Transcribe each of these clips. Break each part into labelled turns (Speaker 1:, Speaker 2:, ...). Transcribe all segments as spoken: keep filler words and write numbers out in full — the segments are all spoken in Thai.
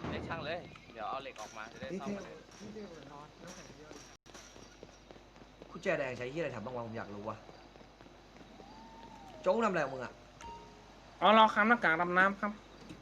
Speaker 1: เล็กช่างเลยเดี๋ยวเอาเหล็กออกมาจะได้ซ่อมมาเลย
Speaker 2: กุญแจแดงใช้ที่อะไรทำบ้างวะผมอยากรู้ว่ะโจ๊กทำอะไรของมึงอะ
Speaker 3: อ๋อเราค้ำหน้ากากดำน้ำครับ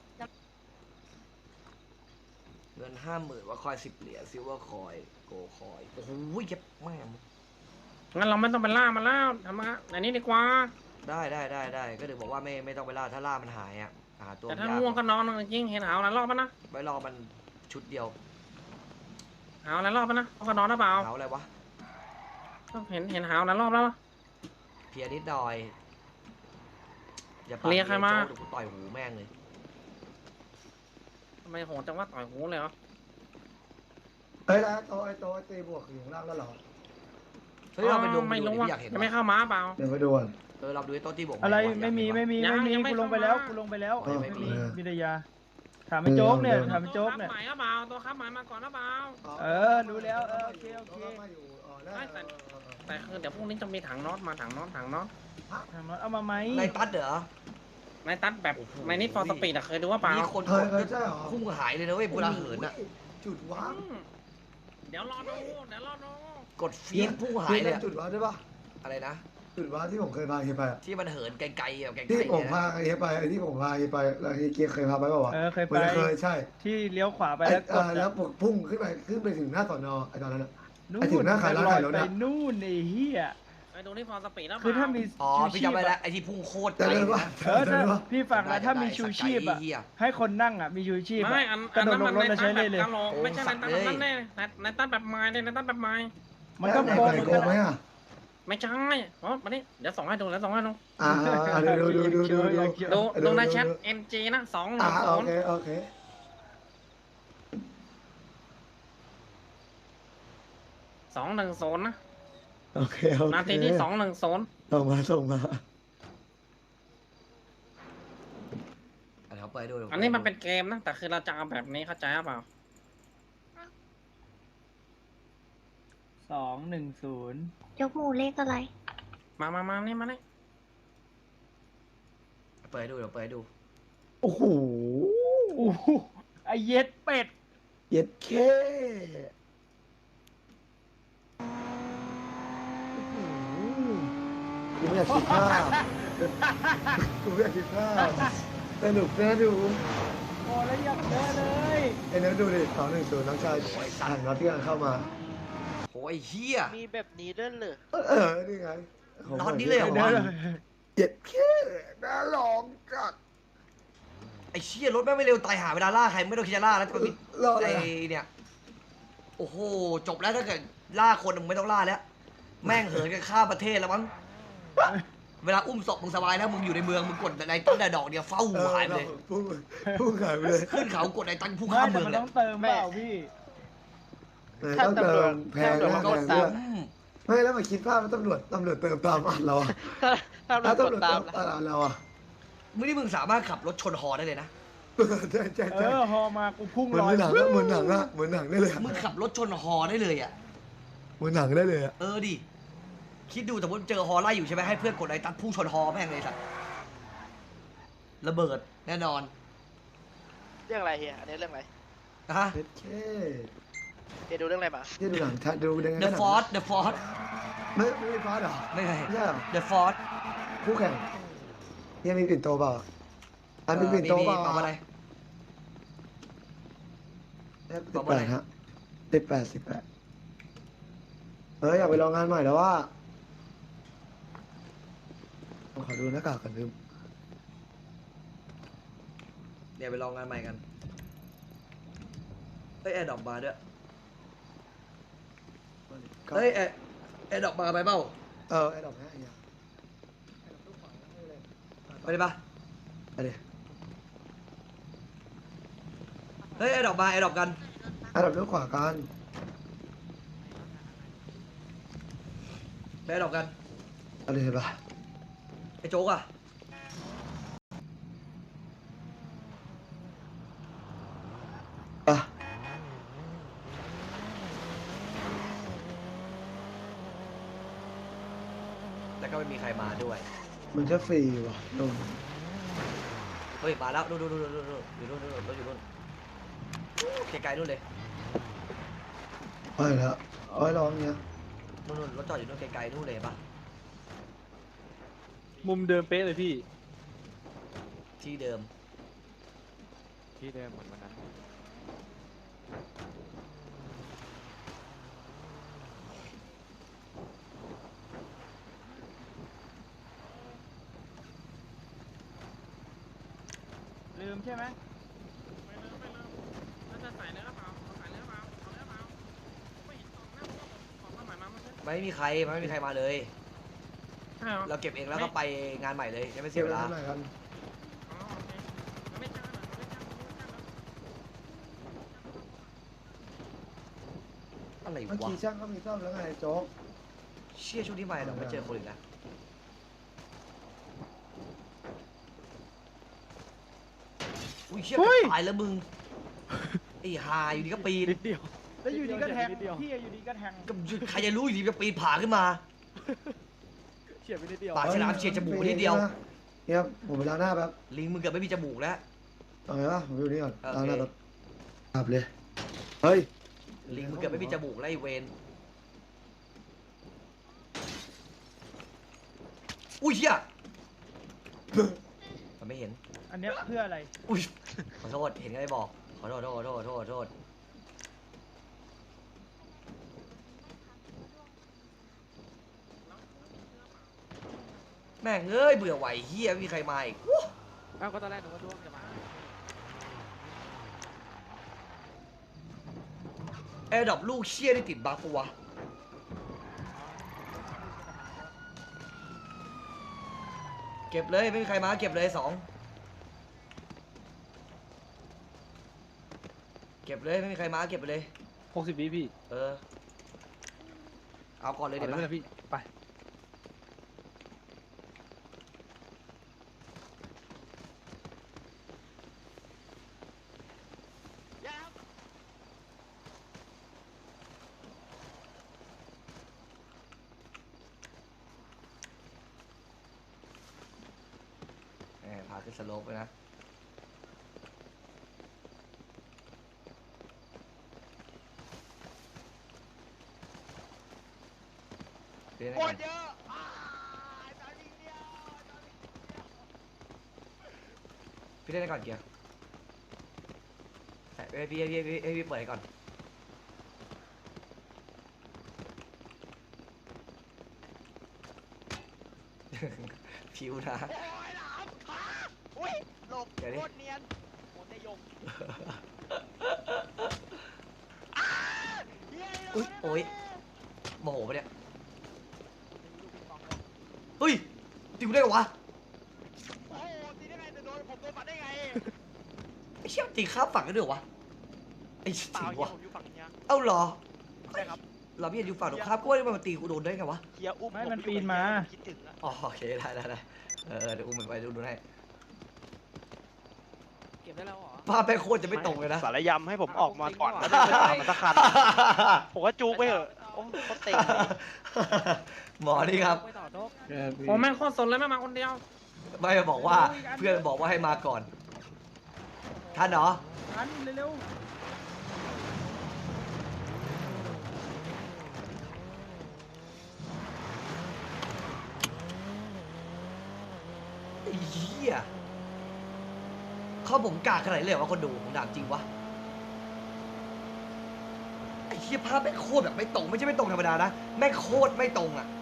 Speaker 2: เงินห้าหมื่นว่าคอยสิบเหรียญซิลเวอร์คอยโกคอยโอ้โหเย็บแม่ง
Speaker 3: งั้นเราไม่ต้องไปล่ามันแล้วทำมาอันนี้ดีกว่า
Speaker 2: ได้ได้ได้ได้ก็ถึงบอกว่าไม่ไม่ต้องไปล่าถ้าล่ามันหายอ่ะหาตัว
Speaker 3: แต่
Speaker 2: มัน
Speaker 3: ถ้าย
Speaker 2: าก
Speaker 3: ง่วงก็นอนจริงเห็นหาวหลายรอบปะนะ
Speaker 2: ไว้รอมันชุดเดียว
Speaker 3: หาวหลายรอบปะนะเขาก็นอนหรือเปล่า
Speaker 2: หาอะไรวะ
Speaker 3: เห็นเห็นหาวหลายรอบแล้ว
Speaker 2: เพียนิดหน่อยอย่า
Speaker 3: เรียกใครมา
Speaker 2: โจ๊กเดี๋ยวกูต่อยหูแม่งเลย
Speaker 3: ทำไมโหดจังว่าต่อยหูเลยเหรอ
Speaker 4: เฮ้ยแล้วโตไอ้โตไอ้ตีบวกอยู่ข้างล่างแล้วเหรอ
Speaker 2: เฮ้ยเราไปดู
Speaker 3: ไม่รู้
Speaker 2: ดู
Speaker 3: ว่า
Speaker 2: ดิพี่อยากเห็น
Speaker 3: จะไม่
Speaker 2: วะ
Speaker 3: เข้ามาเปล่า
Speaker 4: เดี๋ยวไปดูก่อน
Speaker 2: เออเราดูไอ้โต๊ะที่บอก
Speaker 5: อะไร
Speaker 2: วะ
Speaker 5: ไม่มี
Speaker 2: อยาก
Speaker 5: ไม่
Speaker 2: เห็นวะ
Speaker 5: มี
Speaker 3: ยัง
Speaker 5: ไม่มี
Speaker 3: ยังไม่
Speaker 5: กูลงไป
Speaker 3: เข้า
Speaker 5: แล้ว
Speaker 3: มา
Speaker 5: กูลงไปแล้ว
Speaker 2: เออไม่มี
Speaker 5: วิทยาถามไอ้โจ๊กเนี่ยถามไอ้โจ๊ก
Speaker 3: ตัว
Speaker 5: เนี่ย
Speaker 3: ค้าหมายหรือเปล่าตัวค้าหมายมาก่อนหรือเปล่า
Speaker 5: เออรู้แล้วเออโอเคโอเค
Speaker 4: มาอยู่อ๋อได้
Speaker 3: ไม่แต่ แต่คือเดี๋ยวพรุ่งนี้จะมีถังน็อตมาถังน็อตถังน็อต
Speaker 5: ถามน็อตเอามาไหม
Speaker 2: ในตัดเหรอ
Speaker 3: ในตัดแบบในนิดฟอร์สปีดอะเคยดูว่าเปล่า
Speaker 2: มีคน
Speaker 4: เฮ้ยเฮ้ยใช่เหรอ
Speaker 2: พุ่งหายเลยนะเว้ยเวลาเหินอ่ะ
Speaker 4: จุดว้า
Speaker 3: อื
Speaker 4: ว
Speaker 3: มเดี๋ยวรอดูเดี๋ยวรอดู
Speaker 2: กดฟีดพุ่งหายเลยอะ
Speaker 4: จุดว้าวได้ปะ
Speaker 2: อะไรนะ
Speaker 4: จุดว้าวที่ผมเคยพาเฮียไปอะ
Speaker 2: ที่มันเหินไกลๆอ่ะไกลๆ
Speaker 4: ที่ผม
Speaker 2: เนี่ย
Speaker 4: พา
Speaker 2: นะ
Speaker 4: เฮียไปไอ้ที่ผมพาเฮียไปแล้วเฮียเกียร์เคยพาไปเปล่าวะ
Speaker 5: เออเคย
Speaker 4: เห
Speaker 5: ไป
Speaker 4: มือนเคยใช่
Speaker 5: ที่เลี้ยวขวาไป
Speaker 4: ไอ้
Speaker 5: แล้วก
Speaker 4: เอ่
Speaker 5: ด
Speaker 4: อแล้วพุ่งขึ้นไปขึ้นไปถึงหน้าสอนอไอ้ตอนนั้นอะ
Speaker 5: นู่
Speaker 4: ไอ้ถึงหน้าขายร้านขายรถ
Speaker 5: ไป
Speaker 4: อะ
Speaker 5: นู่นไอ้เหี้ย
Speaker 3: ไปดูที่ฟอร์สปีดแล้วเป
Speaker 5: คือ
Speaker 3: ล่า
Speaker 5: ถ้ามี
Speaker 2: อ๋อ
Speaker 5: ชู
Speaker 2: พี่
Speaker 5: ชีพ
Speaker 2: จำได้แล้ว
Speaker 5: อะ
Speaker 2: ไอ้ที่พุ่งโคตร
Speaker 4: จะ
Speaker 2: ไกล
Speaker 4: เดินว่า
Speaker 5: เออ
Speaker 4: จะ
Speaker 5: ถ้า
Speaker 4: เดินว่า
Speaker 5: พี่ฟังนะถ้ามีชูชีพอะ
Speaker 2: เหี้ย
Speaker 5: ให้คนนั่งอะมีชูชีพอะ
Speaker 3: ไม่อัน
Speaker 5: ก
Speaker 3: อั
Speaker 5: ระ
Speaker 3: น
Speaker 5: โดด
Speaker 3: นั้น
Speaker 5: ล
Speaker 3: มั
Speaker 5: ง
Speaker 3: น
Speaker 5: รถ
Speaker 3: ใน
Speaker 5: แล้ว
Speaker 3: ตั
Speaker 5: ใช้
Speaker 3: ด
Speaker 5: ได้
Speaker 3: แบบ
Speaker 5: เลย
Speaker 3: กะโหลกไม่ใช่ในตัดแบบนั้นแน่ในในตัดแบบไม้ในตัดแบบไม้
Speaker 5: มันก็
Speaker 4: ไหน
Speaker 5: โกง
Speaker 4: ไหน
Speaker 5: เหมือน
Speaker 4: โก
Speaker 5: กัน
Speaker 4: งไหม
Speaker 5: นะ
Speaker 4: อะ
Speaker 3: ไม่ใช่อ๋อมาดิเดี๋ยวส่งให้ดูแล้วส่งให้ดู
Speaker 4: อ่าอ่าดูดูดูดูดู
Speaker 3: ดู
Speaker 4: ดู
Speaker 3: ดูใน
Speaker 4: ดู
Speaker 3: แชท เอ็ม จี นะสองห
Speaker 4: อ่า
Speaker 3: นึ่งศู
Speaker 4: โอน
Speaker 3: ย์
Speaker 4: เคโอเค
Speaker 3: สองหนึ่งศูนย์นะ
Speaker 4: โอเคโอเค
Speaker 3: นาทีที่สองหนึ่งศูนย์
Speaker 4: ส่งมาส่งมา
Speaker 2: อันนี้เขาไปดู
Speaker 3: อันนี้มันเป็นเกมนะแต่คือเราจะเอาแบบนี้เข้าใจหรือเปล่า
Speaker 5: สองหนึ่งศูนย์
Speaker 6: ยกหมูเลขอะไร
Speaker 3: มามามานี่มานี่
Speaker 2: เปิดให้ดูเดี๋ยวเปิดให้ดู
Speaker 4: โอ้โห
Speaker 5: โอ้โหไอเย็ดเป็ด
Speaker 4: เย็ดเคกูไม่อยากคิดภาพกูไม่อยากคิดภาพสนุกนะดู
Speaker 5: โอ้แล้วอยากเดินเลย
Speaker 4: ไอ้เนื้อดูดิสองหนึ่งศูนย์น้องชายหันมาที่กันเข้ามา
Speaker 2: โอ้ยเฮีย
Speaker 7: มีแบบนี้ด้วยเหรอ
Speaker 4: เออเออนี่ไง
Speaker 2: น็อตนี้เลยเหรอ
Speaker 5: เดิ
Speaker 2: วะ
Speaker 5: นเลย
Speaker 4: เย็ดเคน่าลองจัด
Speaker 2: ไอ้เชี่ยรถแม่งไม่เร็วตายหาเวลาล่าใครไม่ต้องคิดจะล่าแล้วจะมี
Speaker 4: รออะไร
Speaker 2: ไอ้เนี่ย โอ้โห จบแล้วถ้าเกิดล่าคนมึงไม่ต้องล่าแล้ว แม่งเหินกันข้ามประเทศแล้วมั้ง เวลาอุ้มศพมึงสบายแล้วมึงอยู่ในเมืองมึงกดในตั้งแต่ดอกเดียวเฝ้าหัวหายไปเลย
Speaker 4: พุ่งพุ่งหายไปเลย
Speaker 2: ขึ้นเขากดในตั้งพุ่ง
Speaker 5: ไม่
Speaker 2: ข้าม
Speaker 5: แต่
Speaker 2: เมือง
Speaker 5: มัน
Speaker 2: เลย
Speaker 5: ต้องเติมเปล่าพี่
Speaker 4: ต้องเติมแพง
Speaker 7: ถ้า
Speaker 4: นะ
Speaker 7: ตำรวจ
Speaker 4: แพง
Speaker 2: ก็
Speaker 4: ด้วย
Speaker 2: อืม
Speaker 4: ไม่แล้วมาคิดภาพว่าตำรวจตำรวจเติมตามอัดเราอะ
Speaker 7: ถ้า
Speaker 4: ถ้า
Speaker 7: เราก
Speaker 4: ตำรว
Speaker 7: ด
Speaker 4: จ
Speaker 7: ตา
Speaker 4: เติ
Speaker 7: ม
Speaker 4: ม
Speaker 7: นะ
Speaker 4: อัดเราอะ
Speaker 2: ไม่ได้มึงสามารถขับรถชนหอได้เลยนะ
Speaker 4: ใช่ใช่
Speaker 5: เอ
Speaker 4: ใช่
Speaker 5: อฮอมากูพุ่ง
Speaker 4: เหมือน
Speaker 5: ลอย
Speaker 4: หนังอะเหมือนหนังอะเหมือนหนังได้เลยอะ
Speaker 2: มึงขับรถชนหอได้เลยอ่ะ
Speaker 4: เหมือนหนังได้เลยอะ
Speaker 2: เออดิ คิดดูสมมติเจอฮอไล่อยู่ใช่ไหมให้เพื่อนกดไอ้ตัดพุ่งชนฮอแม่งเลยสัตว์ระเบิดแน่นอน
Speaker 7: เรื่องอะไรเฮียอันนี้เรื่องอะไร
Speaker 2: นะฮะ
Speaker 4: เย็ดเค
Speaker 7: เฮียดูเรื่องอะไรมา
Speaker 4: ที่ดูหนังชัดดูยังไง
Speaker 2: The Force The Force
Speaker 4: ไม่ไม่มีฟาสเหรอ
Speaker 2: ไม่ใช่
Speaker 4: ไม่ใช่เหรอ
Speaker 2: The Force
Speaker 4: คู่แข่งยังมีปิ่นโตเปล่าอันมีปิ่นโตเปล่า
Speaker 2: เปล่าอะไร
Speaker 4: สิบแปดฮะสิบแปดสิบแปดเอออยากไปลองงานใหม่แล้วว่าขอดูหน้ากากกันลืม
Speaker 2: เดี๋ยวไปลองงานใหม่กันเฮ้ยแอร์ดรอปมาด้วยเฮ้ยแอร์แอร์ดรอปมาไปเปล่า
Speaker 4: เออไอ้ดอกนะไอ้ยา
Speaker 2: ไปดิปะ
Speaker 4: ไปดิ
Speaker 2: เฮ้ยแอร์ดรอปมาแอร์ดรอปกัน
Speaker 4: ไอ้ดอกเลี้ยวขวากัน
Speaker 2: ไปแอร์ดรอปกัน
Speaker 4: เอาเลยเห็นปะ
Speaker 2: ไอ้โจ๊กอะ
Speaker 4: ปะ
Speaker 2: แล้วก็ไม่มีใครมาด้วย
Speaker 4: มันจะฟรีว่ะนม
Speaker 2: เฮ้ยมาแล้วดูดูดูดูดูดูอยู่นู่นดูดูรถอยู่นู่นไกลๆนู่นเลย
Speaker 4: ไปแล้วเอาไว้รอเนี้ย
Speaker 2: นู่นๆรถจอดอยู่นู่นไกลๆนู่นเลยปะ
Speaker 5: มุมเดิมเป๊ะเลยพี่
Speaker 2: ที่เดิม
Speaker 5: ที่เดิมเหมือนวันนั้น ลืมใช่ไหม
Speaker 3: ไม่เลิกไม่เลิกแล้วจะใส่เนื้อเปล่าเอาใส่เนื้อเปล่าเอาเนื้อเปล่าไม่เห็นกล่องหน้าผมของมาใหม่มาเมื่อกี้
Speaker 2: ไม่มีใครไม่มีใครมาเลย
Speaker 3: ใช่เหรอ
Speaker 2: เราเก็บเองแล้วก็ไปงานใหม่เลยยังไม่เสี
Speaker 4: เก็
Speaker 2: ย
Speaker 4: บ
Speaker 2: เว
Speaker 4: ไว้
Speaker 2: ลา
Speaker 4: เท่าไหร่กัน
Speaker 3: อ๋อโอเคมันไม่จ้างเหรอมันไม่จ้างมันไม่จ้างเหรอ
Speaker 2: อะไร
Speaker 4: เมื่อ
Speaker 2: วะ
Speaker 4: กี้ช่างก็มีซ่อมแล้วไงโจ๊ก
Speaker 2: เชี่ยช่วงนี้ใหม่เราไม่เจอคนอีกแล้วอุ้ยเชี่ยตายแล้วมึงไอ้หาอยู่ดีก็ปีน
Speaker 5: นิดเดียว
Speaker 6: แล้วอยู่ดีก็แทง
Speaker 5: นิดเดียว
Speaker 6: พี่อยู่ดีก็แทง
Speaker 2: ก็ใครจะรู้อยู่ดีก็ปีนผาขึ้นมา
Speaker 5: เฉียบไปนิดเดียว
Speaker 2: ปากฉลามเฉียดจมูกนิดเดียว
Speaker 4: เนี่ยผมไปล้างหน้าแป๊บ
Speaker 2: ลิงมึงเกือบไม่มีจมูกแล้ว
Speaker 4: เอาไงวะผมอยู่นี่ก่อน
Speaker 2: โอเค
Speaker 4: ล้างหน้าแป๊บอาบเลยเฮ้ย
Speaker 2: ลิงมึงเกือบไม่มีจมูกแล้วไอ้เวนอุ้ยเชี่ยมันไม่เห็น
Speaker 6: อันเนี้ยเพื่ออะไร
Speaker 2: อุ้ยขอโทษเห็นก็ไม่บอกขอโทษโทษโทษโทษโทษแม่งเอ้ยเบื่อไหวเฮียไม่มีใครมาอีก
Speaker 3: เอ้าก็ตอนแรกหนูว่าดวงจะมา
Speaker 2: แอร์ดรอปลูกเชี่ยได้ติดบัฟปะวะเก็บเลยไม่มีใครมาเก็บเลยสองเก็บเลยไม่มีใครมาเก็บไปเลย
Speaker 5: หกสิบวิพี่
Speaker 2: เออเอาก่อนเลย
Speaker 5: เอา
Speaker 2: เดี๋ยว
Speaker 5: เลย
Speaker 2: นะ
Speaker 5: พี่ ไป
Speaker 2: แหมพาขึ้นสโลปไปนะเดี๋ยวนะ
Speaker 7: โค
Speaker 2: ก่อ
Speaker 7: ต
Speaker 2: น
Speaker 7: รเยอะอ่าตอนนี้เดียวตอนนี้เดียว
Speaker 2: พี่เล่นให้ก่อนเกียร์แต่ให้พี่ให้พี่ให้พี่ให้พี่เปิดให้ก่อน ผิวนะ
Speaker 7: โอ้ยหลามขาอุ้ยหลบ
Speaker 2: เดี๋ยวดิ
Speaker 7: โคตรเนียนโคตรนายงอ้าเหี้ย
Speaker 2: อุ๊ยโอ๊ย โมโหปะเนี่ยเฮ้ยตีกูได้เหรอวะ
Speaker 7: โอ้โหตีได้ไงแต่โดนผมโดนฟันได้ไง
Speaker 2: ไอ้เชี่ยตีข้ามฝั่งกันด้วยเหรอวะไอ้
Speaker 7: เปล่า
Speaker 2: สิ
Speaker 7: เฮียว
Speaker 2: ะ
Speaker 7: ผมอยู่ฝั่งเนี้ย
Speaker 2: เอ้าเหรอ
Speaker 7: ใช่ครับ
Speaker 2: เราพี่อยู่ฝั่งตรงข้ามก็ว่ามันตีกูโดนได้ไงวะ
Speaker 7: เฮียอุ้ม
Speaker 6: ไม่
Speaker 7: ผ
Speaker 6: มัน
Speaker 7: อยู่
Speaker 6: ปีนมา
Speaker 7: เฮียคิดถึงอะ
Speaker 2: อ๋อโอเคได้ได้ได้เออเดี๋ยวอุ้มมันไปดูดูให้
Speaker 3: เก็บได้แล้วเหรอ
Speaker 2: ภาพแม่งโคตรจะไม่ตรงเลยนะ
Speaker 7: สารยำให้ผมออกมาก่อน
Speaker 3: เอา
Speaker 7: แล้ว
Speaker 3: จริงเหรอ
Speaker 7: เดินไปตามมันสักคันผมก็จูกไปเถอะโอ้เขาเต็ง
Speaker 2: หมอนี่ครับ
Speaker 3: ไปต่อโจ๊ก
Speaker 5: แค่พี่
Speaker 3: โอ้แม่งโคตรสนเลยแม่งมาคนเดียว
Speaker 2: ไม่บอกว่าเพื่อนบอกว่าให้มาก่อนท่านเหรอ
Speaker 6: อันเร็ว
Speaker 2: ไอ้เหี้ยเขาผมกากขนาดนี้เลยเหรอวะคนดูผมถามจริงวะไอ้เหี้ยภาพแม่งโคตรแบบไม่ตรงไม่ใช่ไม่ตรงธรรมดานะแม่งโคตรไม่ตรงอ่ะ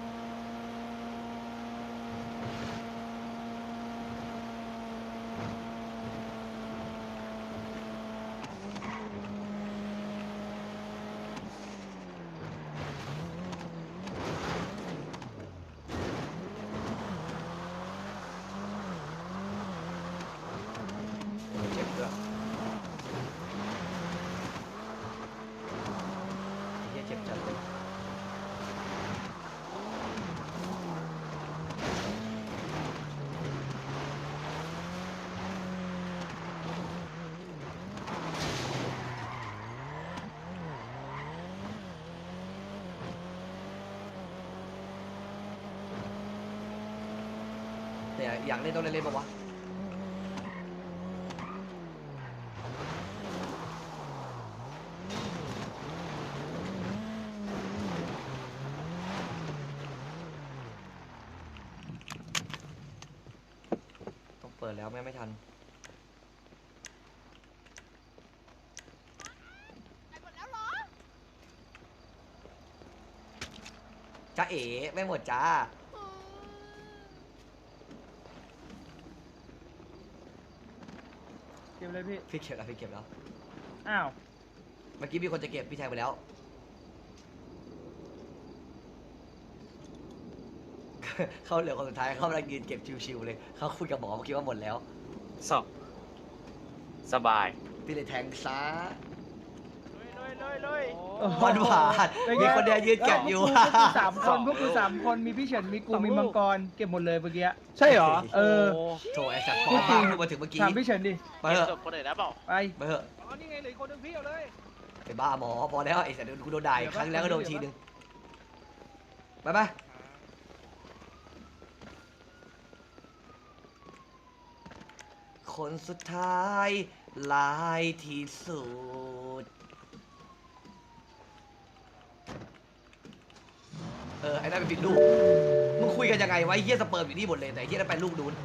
Speaker 2: เจ็บด้วยไอ้เหี้ยเจ็บจัดเลยแต่อยากเล่นต้องเล่นเล่นปะวะปิดแล้วไม่ไม่ทัน
Speaker 7: ไปหมดแล้วเหรอ
Speaker 2: จ้าเอ๋ไม่หมดจ้า
Speaker 6: เก็บเลยพี่
Speaker 2: พี่เก็บแล้วพี่เก็บแล้ว
Speaker 6: อ้าว
Speaker 2: เมื่อกี้มีคนจะเก็บพี่แทงไปแล้ว เขาเหลือคนสุดท้ายเขากำลังยืนเก็บชิวๆเลยเขาคุยกับหมอเมื่อกี้ว่าหมดแล้ว
Speaker 1: สอบสบาย
Speaker 2: พี่เลยแทงซะ
Speaker 3: เลยเลยเลย
Speaker 2: หวานหวานมีคนเดียวยืนเก็บอยู่
Speaker 6: พวกกูสามคนพวกกูสามคนมีพี่เฉินมีกูมีมังกรเก็บหมดเลยเมื่อกี้
Speaker 5: ใช่เหรอ
Speaker 6: เออ
Speaker 2: โถไอ้สัตว์ปลอมมากเพิ่งมาถึงเมื่อกี้
Speaker 6: ถามพี่เฉินดิ
Speaker 2: ไปเถอะ
Speaker 1: จบคนอื่นแล้วเปล่า
Speaker 6: ไป
Speaker 2: ไปเถอะ
Speaker 3: อ๋อนี่ไงเหลืออกคนหนึงพี่เอาเลย
Speaker 2: ไปบ้าหมอพอแล้วไอ้สัตว์กูโดนด่าอีกครั้งแล้วก็โดนทีนึงไปไปคนสุดท้ายลายที่สุดเออไอ้นั่นเป็นผิดลูกมึงคุยกันยังไงวะไอ้เฮียสเปิร์มอยู่นี่หมดเลยแต่ไอ้เฮียนั่นเป็นลูกดูน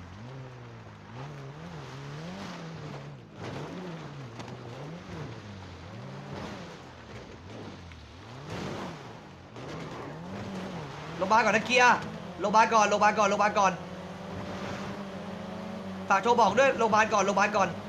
Speaker 2: โรงพยาบาลก่อนนะเกียร์โรงพยาบาลก่อนโรงพยาบาลก่อนโรงพยาบาลก่อนฝากโทรบอกด้วยโรงพยาบาลก่อนโรงพยาบาลก่อน